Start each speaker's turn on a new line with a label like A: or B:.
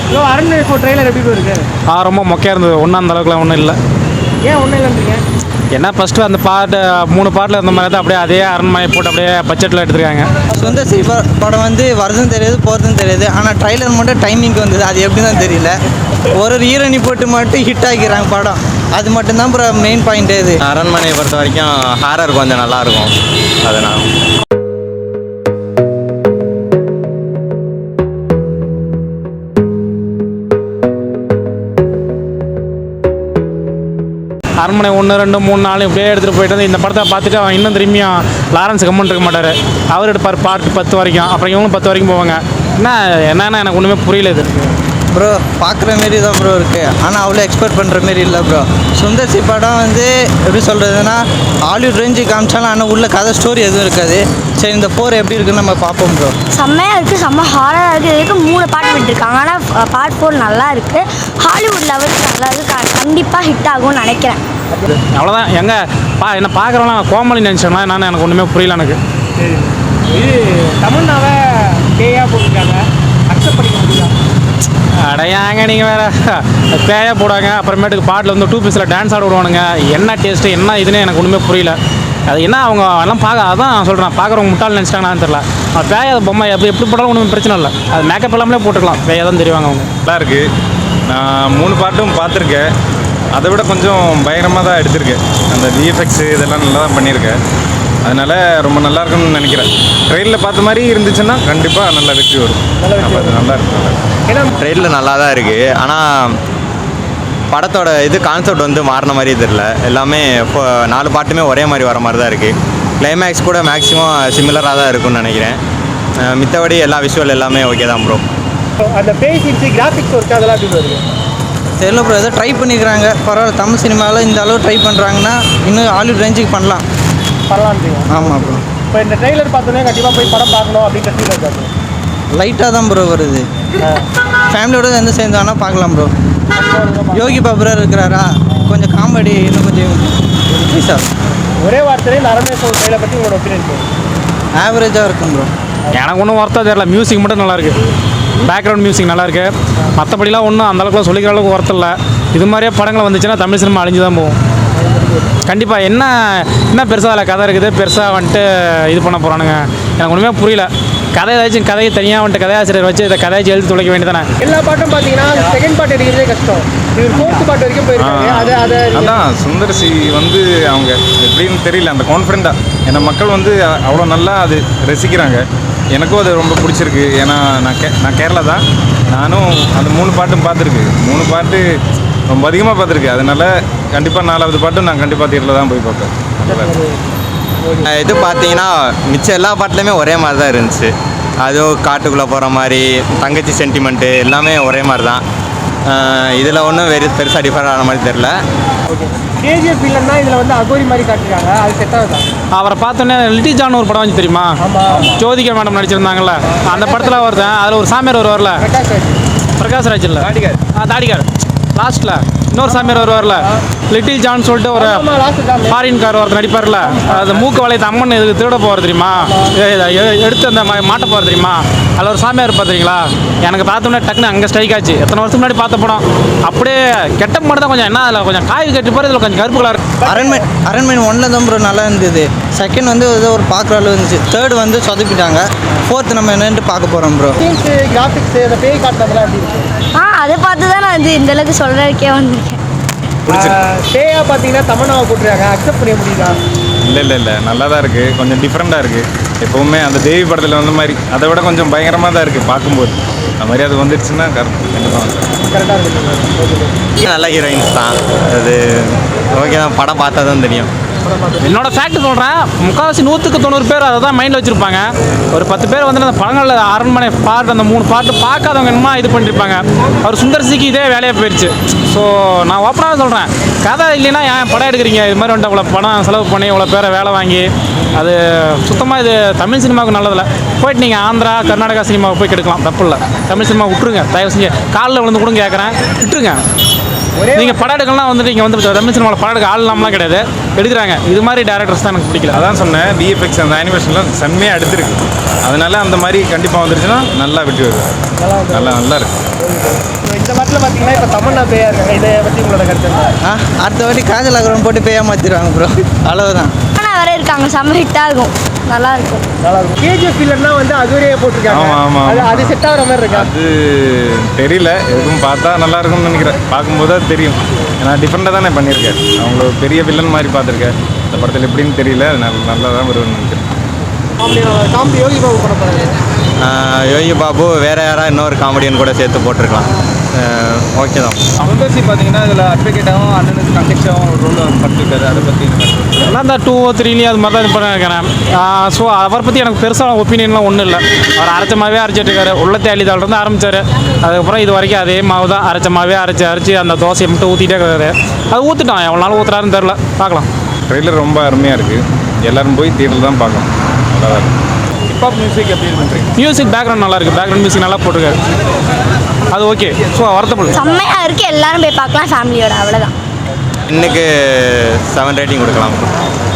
A: Bro அரண்மனை 4 trailer எப்படி இருக்கு?
B: ரொம்ப மொக்கையாக இருந்தது. ஒன்றும் அந்த அளவுக்குலாம் ஒன்றும் இல்லை.
A: ஏன் ஒன்றும் இல்லைன்றீங்க?
B: ஏன்னா ஃபஸ்ட்டு அந்த பாட்டு 3 பாட்டில் இருந்த மாதிரி தான் அப்படியே அதே அரண்மனை போட்டு அப்படியே பட்ஜெட்டில் எடுத்துருக்காங்க.
C: சுந்தர் சி படம் வந்து வரதும் தெரியாது போகிறதும் தெரியாது. ஆனால் ட்ரைலர் மட்டும் டைமிங்க்கு வந்தது, அது எப்படி தான் தெரியல. ஒரு ஹீரோனி போட்டு மட்டும் ஹிட் ஆகிக்கிறாங்க படம். அது மட்டும்தான் அப்புறம் மெயின் பாயிண்ட். இது
D: அரண்மனையை பொறுத்த வரைக்கும் ஹாரர் கொஞ்சம் நல்லாயிருக்கும். அதனால்
B: அரண்மனை 1, 2, 3, 4 இப்படியே எடுத்துகிட்டு போயிட்டு வந்து இந்த படத்தை பார்த்துட்டு அவன் இன்னும் திரும்பியும் லாரன்ஸ் கம்மன் இருக்க மாட்டார். அவர் எடுப்பார் பார்ட் 10 வரைக்கும், அப்புறம் இவங்களும் 10 வரைக்கும் போவாங்க. என்னன்னா எனக்கு ஒன்றுமே புரியல. இது
C: ப்ரோ பார்க்குற மாரி தான் ப்ரோ இருக்குது, ஆனால் அவ்வளோ எக்ஸ்பெக்ட் பண்ணுற மாரி இல்லை ப்ரோ. சுந்தர் சி படம் வந்து எப்படி சொல்கிறதுனா ஹாலிவுட் ரேஞ்சு காமிச்சாலும் ஆனால் உள்ள கதை ஸ்டோரி எதுவும் இருக்காது. சரி இந்த 4 எப்படி இருக்குன்னு நம்ம பார்ப்போம் ப்ரோ.
E: செம்மையாக இருக்குது, செம்ம ஹாரராக இருக்குது. இதுக்கு 3 பாட்டு விட்டுருக்காங்க, ஆனால் பார்ட் 4 நல்லா இருக்குது. ஹாலிவுட் லெவலுக்கு நல்லா இருக்குது, கண்டிப்பாக ஹிட் ஆகும்னு நினைக்கிறேன்.
B: அவ்வளோதான். என்ன பார்க்குறவங்களாம் கோமலி நினச்சோம்னா என்னன்னு எனக்கு ஒன்றுமே புரியல. எனக்கு
A: இது தமிழ்நாவை பேயா போட்டிருக்காங்க, அக்செப்ட் பண்ணிக்க முடியாது.
B: அடையாங்க நீங்கள் வேறு பேயாக போடுவாங்க. அப்புறமேட்டுக்கு பாட்டில் வந்து 2 பீஸில் டான்ஸ் ஆட விடுவானுங்க. என்ன டேஸ்ட்டு என்ன இதுன்னு எனக்கு ஒன்றுமே புரியல. அது என்ன அவங்க எல்லாம் அதான் நான் சொல்கிறேன், பார்க்குறவங்க முட்டாள் நினச்சிட்டாங்கன்னு தெரில. அவன் பேய பொம்மை எப்படி போட்டாலும் ஒன்றும் பிரச்சனை இல்லை. அது மேக்கப் எல்லாமே போட்டுக்கலாம், பேயாக தான் தெரிவாங்க அவங்க.
F: நல்லா இருக்குது. நான் 3 பாட்டும் பார்த்துருக்கேன். அதை விட கொஞ்சம் பயங்கரமாக தான் எடுத்திருக்கேன். அந்த விஎஃப்எக்ஸு இதெல்லாம் நல்லா தான் பண்ணியிருக்கேன். அதனால் ரொம்ப நல்லா இருக்குன்னு நினைக்கிறேன். ட்ரெயினில் பார்த்த மாதிரி இருந்துச்சுன்னா கண்டிப்பாக நல்லா வெற்றி வரும். நல்லா இருக்கும்.
D: ஏன்னா ட்ரெயினில் நல்லா தான் இருக்குது, ஆனால் படத்தோட கான்செப்ட் வந்து மாறின மாதிரி தெரியல. எல்லாமே இப்போ 4 பாட்டுமே ஒரே மாதிரி வர மாதிரி தான் இருக்குது. கிளைமேக்ஸ் கூட மேக்ஸிமம் சிமிலராக தான் இருக்குன்னு நினைக்கிறேன். மித்தபடி எல்லா விஷுவல் எல்லாமே ஓகே தான் ப்ரோ.
A: அந்த பேய் சீன்ஸு கிராஃபிக்ஸ் ஒர்க் அதெல்லாம் எப்படி வருது
C: தெரியல ப்ரோ. ஏதோ ட்ரை பண்ணிக்கிறாங்க, பரவாயில்ல. தமிழ் சினிமாவில் இந்த அளவு ட்ரை பண்ணுறாங்கன்னா இன்னும் ஹாலிவுட் ரேஞ்சுக்கு பண்ணலாம்.
A: பரவாயில்ல.
C: ஆமாம் ப்ரோ.
A: இப்போ இந்த ட்ரெய்லர் பார்த்தோன்னே கண்டிப்பாக போய் படம் பார்க்கணும் அப்படின்ற ஃபீல் இருக்காது.
C: லைட்டாக தான் ப்ரோ வருது. ஃபேமிலியோட எந்த சேர்ந்து வேணால் பார்க்கலாம் ப்ரோ. யோகி பாபுரா இருக்கிறாரா, கொஞ்சம் காமெடி இன்னும் கொஞ்சம் சார்.
A: ஒரே வார்த்தையில் இந்த அரண்மனை 4 ட்ரெய்லர் பற்றி உங்களோட ஒப்பீனியன்?
C: ஆவரேஜாக இருக்கும் ப்ரோ.
B: எனக்கு ஒன்றும் ஒர்த்தாக தெரியல. மியூசிக் மட்டும் நல்லாயிருக்கு, பேக்ரவுண்ட் மியூசிக் நல்லாயிருக்கு. மற்றபடிலாம் ஒன்றும் அந்தளவுக்குலாம் சொல்லிக்கிற அளவுக்கு ஒர்த் இல்லை. இது மாதிரியே படங்கள் வந்துச்சுன்னா தமிழ் சினிமா அழிஞ்சு தான் போகும் கண்டிப்பாக. என்ன பெருசாக அதில் கதை இருக்குது, பெருசாக வந்துட்டு இது பண்ண போகிறானுங்க, எனக்கு ஒன்றுமே புரியல. கதையை தனியாக வந்துட்டு கதையாசிரியர் வச்சு இதை கதையாச்சு எழுதி துளைக்க வேண்டியதானே.
A: எல்லா பாட்டும் பார்த்தீங்கன்னா செகண்ட் பார்ட் எடுக்கிறதே கஷ்டம். இவர் 4th பார்ட் வரைக்கும் போயிருக்காங்க.
F: அதான் சுந்தர் சி வந்து அவங்க எப்படின்னு தெரியல, அந்த கான்ஃபிடென்ட்டாக. ஏன்னா மக்கள் வந்து அவ்வளோ நல்லா அது ரசிக்கிறாங்க. எனக்கும் அது ரொம்ப பிடிச்சிருக்கு. ஏன்னா நான் கேரளா தான். நானும் அந்த 3 பாட்டும் பார்த்துருக்கு. 3 பாட்டு ரொம்ப அதிகமாக பார்த்துருக்கு. அதனால் கண்டிப்பாக 4வது பாட்டும் நான் கண்டிப்பாக தியேட்டரில் தான் போய் பார்ப்பேன்.
D: இது பார்த்தீங்கன்னா மிச்சம் எல்லா பாட்டுலையுமே ஒரே மாதிரி தான் இருந்துச்சு. அதுவும் காட்டுக்குள்ளே போகிற மாதிரி, தங்கச்சி சென்டிமெண்ட்டு எல்லாமே ஒரே மாதிரி தான். இதில் ஒன்றும் பெருசாக டிஃபரெண்ட் ஆன மாதிரி தெரில.
A: கேஜிஎஃப் இல்லைன்னா இதில் வந்து அகோரி மாதிரி காட்டுறாங்க, அது செட் ஆகுதா?
B: அவரை பார்த்தோன்னே லிட்டில் ஜான் ஒரு படம் வந்து தெரியுமா, ஜோதிகா மேடம் நடிச்சிருந்தாங்கல்ல, அந்த படத்தில் ஒருத்தன் அதில் ஒரு சாமியார் வருவார்ல, பிரகாஷ் ராஜ் இல்லை தாடிகார் லாஸ்ட்டில் இன்னொரு சாமியார் வருவார்ல, லிட்டில் ஜான் சொல்லிட்டு ஒரு ஃபாரின் கார் ஒருத்தர் நடிப்பார்ல, அது மூக்கு வளையத்தை அம்மன் இதுக்கு திருட போகிற தெரியுமா, எடுத்து அந்த மாட்ட போகிற தெரியுமா, அதில் ஒரு சாமியார் பார்த்துறீங்களா? எனக்கு பார்த்தோம்னா டக்குன்னு அங்கே ஸ்ட்ரைக் ஆச்சு. எத்தனை வருஷத்துக்கு முன்னாடி பார்த்த படம். அப்படியே கெட்ட மட்டும் தான் கொஞ்சம் என்ன அதில் கொஞ்சம் காய் கட்டி போகிற, இதில் கொஞ்சம் கருப்பு கலர்.
C: அரண்மனை 1 தான் ப்ரோ நல்லா இருந்தது. செகண்ட் வந்து ஏதோ ஒரு பார்க்குற அளவு இருந்துச்சு. தேர்ட் வந்து சொதப்பிட்டாங்க. 4th நம்ம என்னென்னு பார்க்க போகிறோம் ப்ரோ.
A: கிராஃபிக்ஸ் அந்த பேய் காட்டுறதுலாம் எப்படி இருக்கு?
E: அதை பார்த்து தான் நான் இந்த அளவுக்கு சொல்கிறதுக்கே வந்திருக்கேன்.
A: பேயா பார்த்தீங்கன்னா தமன்னாவை போட்டுருக்காங்க, அக்செப்ட் பண்ண முடியுதா?
F: இல்லை நல்லா தான் இருக்குது. கொஞ்சம் டிஃப்ரெண்ட்டாக இருக்குது. எப்போவுமே அந்த தேவி படத்தில் வந்த மாதிரி அதை விட கொஞ்சம் பயங்கரமாக தான் இருக்குது பார்க்கும்போது. அந்த மாதிரி அது வந்துடுச்சுன்னா
A: கரெக்டாக இருக்குது.
D: நல்ல ஹீரோயின்ஸ் தான். அது ஓகே தான், படம் பார்த்தா தான் தெரியும்.
B: என்னோட ஃபேக்ட் சொல்கிறேன், 90% பேர் அதை தான் மைண்டில் வச்சுருப்பாங்க. ஒரு 10 பேர் வந்து அந்த படங்களில் அரண்மனை பாட்டு அந்த 3 பாட்டு பார்க்காதவங்க என்னமா இது பண்ணியிருப்பாங்க. அவர் சுந்தர்சிக்கு இதே வேலையாக போயிடுச்சு. ஸோ நான் ஓப்பனாக சொல்கிறேன், கதை இல்லைன்னா ஏன் படம் எடுக்கிறீங்க? இது மாதிரி வந்துட்டு அவ்வளோ படம் செலவு பண்ணி இவ்வளோ பேரை வேலை வாங்கி, அது சுத்தமாக இது தமிழ் சினிமாவுக்கு நல்லதில்லை. போயிட்டு நீங்கள் ஆந்திரா கர்நாடகா சினிமாவுக்கு போய் கெடுக்கலாம், தப்பு இல்லை. தமிழ் சினிமா விட்டுருங்க, தயவு செஞ்சு காலில் விழுந்து கூட கேட்குறேன், விட்டுருங்க. நீங்கள் படம் எடுக்கலாம் வந்துட்டு இங்கே வந்து தமிழ் சினிமாவில் படம் எடுக்க ஆள் இல்லாமலாம் கிடையாது, எடுக்கிறாங்க. இது மாதிரி டேரக்டர்ஸ் தான் எனக்கு பிடிக்கல.
F: அதான் சொன்னேன், விஎஃப்எக்ஸ் அந்த அனிமேஷன்லாம் செம்மையாக எடுத்துருக்கு. அதனால அந்த மாதிரி கண்டிப்பாக வந்துருச்சுன்னா நல்லா வெட்டி வருது. நல்லா இருக்குது.
A: படத்தில் பார்த்தீங்கன்னா இப்போ தமன்னா பேயா இருக்காங்க, இதை பற்றி உங்களோட கருத்து என்ன?
C: அடுத்த வாட்டி காஜல் அகரம் போட்டு பேயா மாற்றிடுவாங்க ப்ரோ, அவ்வளவுதான்.
E: ஆனால் வர இருக்காங்க, செம்ம ஹிட் ஆகும், நல்லா இருக்கும்.
A: நல்லா இருக்கும். கேஜிஎஃப் இல்லைன்னா வந்து அதுவரையே போட்டிருக்காங்க.
F: ஆமா, ஆமா, ஆமா.
A: அது செட் ஆகிற மாதிரி இருக்கா?
F: அது தெரியல, எதுவும் பார்த்தா நல்லா இருக்கும்னு நினைக்கிறேன். பார்க்கும்போது அது தெரியும். ஏன்னா டிஃப்ரெண்ட்டாக தானே பண்ணியிருக்கேன். அவங்கள ஒரு பெரிய வில்லன் மாதிரி பார்த்துருக்கேன். இந்த படத்தில் எப்படின்னு தெரியல, நல்லா தான் வரும்னு நினைக்கிறேன்.
A: காமெடி யோகி பாபு படம் பாருங்க.
D: யோகி பாபு வேறு யாராவது இன்னொரு காமெடியன் கூட சேர்த்து போட்டிருக்கலாம். ஓகே தான்.
G: சுந்தர்சி பார்த்தீங்கன்னா இதில் அட்வொகேட்டாகவும் அண்ணனுக்கு கண்டெக்டாகவும் ஒரு ரோல் பண்ணிருக்காரு. அதை பற்றி
B: எல்லாம் இந்த 2 or 3 அது மாதிரி தான் இது பண்ணிருக்கிறேன். ஸோ அவரை பற்றி எனக்கு பெருசாக ஒப்பீனியன்லாம் ஒன்றும் இல்லை. அவர் அரைச்ச மாவே அரைச்சிட்டு இருக்காரு. உள்ள தேளிதாலிருந்து ஆரம்பித்தார். அதுக்கப்புறம் இது வரைக்கும் அதே மாவு தான், அரைச்ச மாவே அரைச்சி அந்த தோசையை மட்டும் ஊற்றிட்டே இருக்காரு. அது ஊற்றிட்டான், எவ்வளோ நாள் ஊற்றுறாருன்னு தெரில, பார்க்கலாம்.
F: ட்ரெய்லர் ரொம்ப அருமையாக இருக்குது. எல்லோரும் போய் தியேட்டரில் தான் பார்க்கணும். நல்லா தான் இருக்குது.
G: ஹிப்ஹாப் மியூசிக் எப்படி பண்ணுறீங்க?
B: மியூசிக் பேக்ரவுண்ட் நல்லா இருக்குது, பேக்ரவுண்ட் மியூசிக் நல்லா போட்டிருக்காரு. அது ஓகே. ஸோ வருத்தப்படல,
E: செம்மையாக இருக்குது, எல்லாரும் போய் பார்க்கலாம் ஃபேமிலியோட, அவ்வளோதான்.
D: இன்னைக்கு 7 ரேட்டிங் கொடுக்கலாம்.